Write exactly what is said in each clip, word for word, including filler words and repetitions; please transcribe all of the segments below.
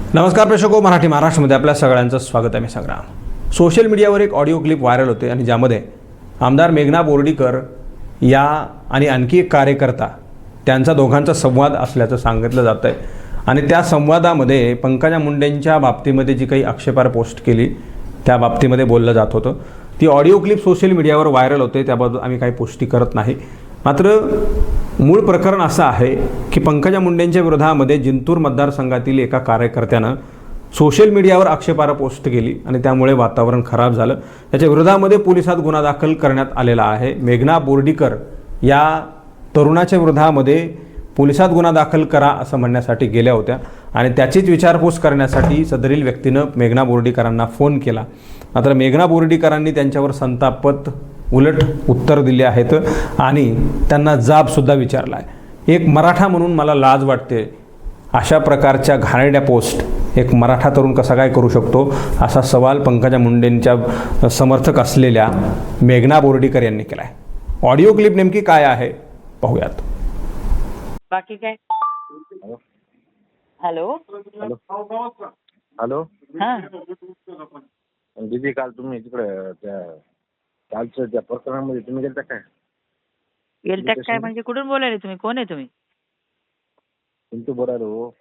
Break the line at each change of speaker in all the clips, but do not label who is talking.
नमस्कार प्रेक्षको, मराठी महाराष्ट्रामध्ये आपल्या सगळ्यांचं स्वागत आहे. मी संग्राम. सोशल मीडियावर एक ऑडिओ क्लिप व्हायरल होते आणि ज्यामध्ये आमदार मेघना बोर्डीकर या आणि आणखी एक कार्यकर्ता त्यांचा दोघांचा संवाद असल्याचं सांगितलं जातं आहे. आणि त्या संवादामध्ये पंकजा मुंडेंच्या बाबतीमध्ये जी काही आक्षेपार्ह पोस्ट केली त्या बाबतीमध्ये बोललं जात होतं. ती ऑडिओ क्लिप सोशल मीडियावर व्हायरल होते, त्याबद्दल आम्ही काही पुष्टी करत नाही. मात्र मूळ प्रकरण असं आहे की पंकजा मुंडेंच्या विरोधामध्ये जिंतूर मतदारसंघातील एका कार्यकर्त्यानं सोशल मीडियावर आक्षेपार्ह पोस्ट केली आणि त्यामुळे वातावरण खराब झालं. त्याच्या विरोधामध्ये पोलिसात गुन्हा दाखल करण्यात आलेला आहे. मेघना बोर्डीकर या तरुणाच्या विरोधामध्ये पोलिसात गुन्हा दाखल करा असं म्हणण्यासाठी गेल्या होत्या आणि त्याचीच विचारपूस करण्यासाठी सदरील व्यक्तीनं मेघना बोर्डीकरांना फोन केला. मात्र मेघना बोर्डीकरांनी त्यांच्यावर संतापत उलट उत्तर दिले आहेत आणि त्यांना जाबसुद्धा विचारला आहे. एक मराठा म्हणून मला लाज वाटते, अशा प्रकारच्या घाणेरड्या पोस्ट एक मराठा तरुण कसा काय करू शकतो, असा सवाल पंकजा मुंडेंच्या समर्थक असलेल्या मेघना बोर्डीकर यांनी केला आहे. ऑडिओ क्लिप नेमकी काय आहे पाहूयात.
बाकी काय? हॅलो
हॅलो
हा
दीदी, काल तुम्ही तिकडे त्या कालच्या त्या प्रकरणामध्ये तुम्ही गेलता काय?
गेलत्या काय म्हणजे कुठून बोलायले तुम्ही? कोण आहे तुम्ही?
पिंटू बोलायलो हो.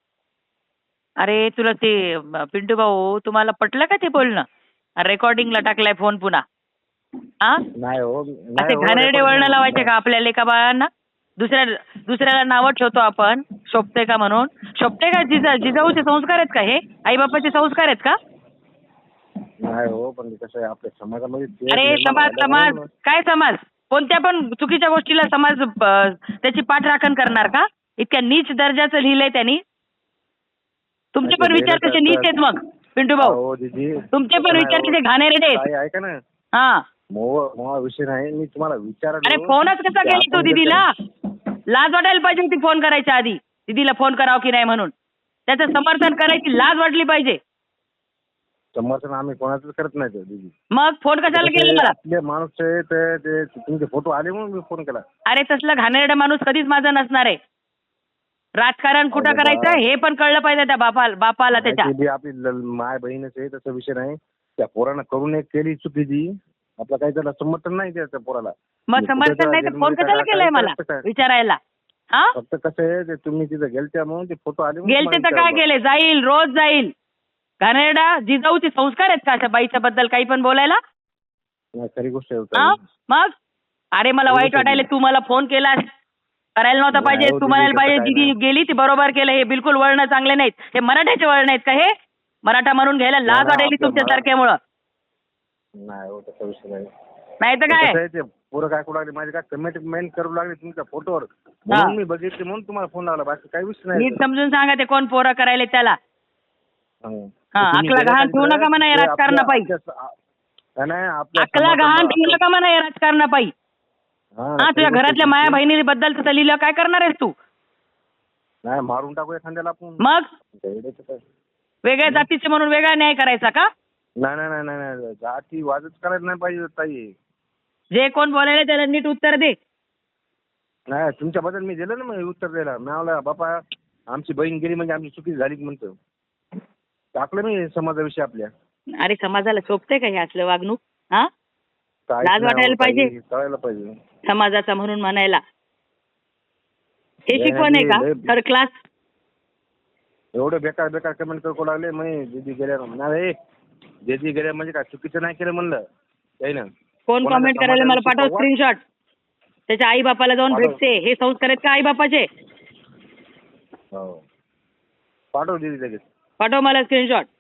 अरे तुला ते पिंटू भाऊ, तुम्हाला पटलं का ते बोलणं? रेकॉर्डिंगला टाकलाय फोन पुन्हा. हा
नाही हो, नाही
असे
हो,
घाणेरडे
रेकॉर्डिंग
वळण
नाही.
लावायचे का आपल्या लेका बाळांना? दुसऱ्या दुसऱ्याला नावं ठेवतो आपण, शोभते का म्हणून. शोभते का? जिजा जिजाऊचे संस्कार आहेत का हे? आई बापाचे संस्कार आहेत का?
नाही हो, पण कसं आहे आपल्या समाजामध्ये ते
अरे
निर्माण
समाज
झालं
समाज
म्हणून.
काय समाज? कोणत्या पण चुकीच्या गोष्टीला समाज अ, त्याची पाठराखण करणार का? इतक्या नीच दर्जाचं लिहिलंय त्यांनी. तुमचे पण विचार कसे नीच आहेत मग पिंटू भाऊ?
हो दीदी,
तुमचे पण विचार कसे घाणेरडे आहेत.
काय ऐका ना,
हा
मोह मोह विषय नाही, मी तुम्हाला विचारलो.
अरे फोनच कसा
की
केला तू
आपण
दीदीला?
जसं-
लाज वाटायला पाहिजे होती फोन करायच्या आधी. दीदीला फोन करावं की नाही म्हणून त्याचं समर्थन करायची लाज वाटली पाहिजे.
समर्थन आम्ही कोणाचंच करत नाही तो दीदी.
मग फोन कशाला केला मला?
आपले माणूस आहे ते ते तुमचे फोटो आले म्हणून मी फोन केला.
अरे तसलं घाणेरडा माणूस कधीच माझा नसणार आहे. राजकारण कुठं
अरे
करायचं
बा.
हे पण कळलं पाहिजे त्या बापाला बापाला त्याच्या.
ती बी आपली ल- माय बहीणच आहे, तसा विषय नाही. त्या पोरानं करून एक केली चुकीची, आपलं काही त्याला समर्थन नाही त्या पोराला.
मग
मी
समर्थन
कुठे
नाही तर
त्या
फोन
जेलमध्ये
कशाला
काय
केलाय मला
करायचं काय?
विचारायला? हा
फक्त कसं आहे ते तुम्ही तिथं गेलत्या म्हणून ते फोटो आले म्हणून
गेलते तर
तुम्हाला
काय
विचारलं.
गेले? जाईल, रोज जाईल. घाणेरडा जिजाऊचे संस्कार आहेत का अशा बाईच्या बद्दल काही पण बोलायला?
नाही, खरी गोष्ट आहे
हा
ताई.
मग अरे मला
खरी
वाईट
गोष्ट आहे.
वाटायला तू मला फोन केलास, करायला नव्हता
नाही
पाहिजे.
हो,
तू
दीदी,
म्हणायला
तसं
पाहिजे
काय
दीदी
नाही.
गेली ती बरोबर केलं. हे बिलकुल वळणं चांगले नाहीत. हे मराठ्याचे वळण आहेत का? हे मराठा म्हणून घ्यायला लाज
नाही,
वाटायली
आपल्या
तुमच्या सारख्यामुळं.
नाही हो, तसा विषय नाही.
नाही तर काय?
कसं आहे ते पोरं काय करू लागले, माझे काय कमेंट मेंट करू लागले तुमच्या फोटोवर, म्हणून मी बघितले म्हणून तुम्हाला फोन लावला, बाकी काही विषय नाही.
नीट समजून सांगा ते कोण पोरं करायले त्याला.
हं.
हा,
तर तुम्ही
अकला
गेल्या
गहाण
का
ठेवू
तिकडे?
नका म्हणा या
ते आपल्या-
राजकारणापायी.
आपल्या- नाही, आपल्या
अकला गहाण
समाजाला-
ठेवू नका म्हणा या राजकारणापायी.
हां,
हा
खरी
तुझ्या
गोष्ट
घरातल्या
आहे.
माया बहिणीबद्दल तसं लिहिलं काय करणार आहेस तू?
नाही, मारून टाकू एखाद्याला आपण.
मग
वेड्याचं काय?
वेगळ्या जातीचे म्हणून वेगळा न्याय करायचा का?
नाही नाही नाही नाही नाही, जाती वाजच करायला नाही पाहिजे ताई.
जे कोण बोलायला त्याला नीट उत्तर दे.
नाही, तुमच्याबद्दल मी दिलं ना मग उत्तर द्यायला. मी म्हणलं बापा आमची बहीण गेली म्हणजे आमची चुकी झाली म्हणतो. टाकलं मी समाजाविषयी आपल्या.
अरे समाजाला शोभते का हे असलं वागणूक? हा
काहीच
लाज
नाही
वाटायला
हो ताई,
पाहिजे.
कळायला पाहिजे.
समाजाचा म्हणून म्हणायला हे
लय
शिकवण आहे का?
लय-
थर्ड क्लास.
एवढं बेकार बेकार कमेंट करू लागले. मग दीदी गेल्या नाही, दीदी गेल्या म्हणजे काय चुकीचं नाही केलं म्हणलं काही ना.
कोण
कोणाच्या
कमेंट करायला मला पाठव
समाजाविषयी
स्क्रीनशॉट. त्याच्या आई बापाला जाऊन
पाठव.
भेटते. हे संस्कार आहेत का आई बापाचे?
हो, पाठव दीदी लगेच.
पाठव मला स्क्रीनशॉट.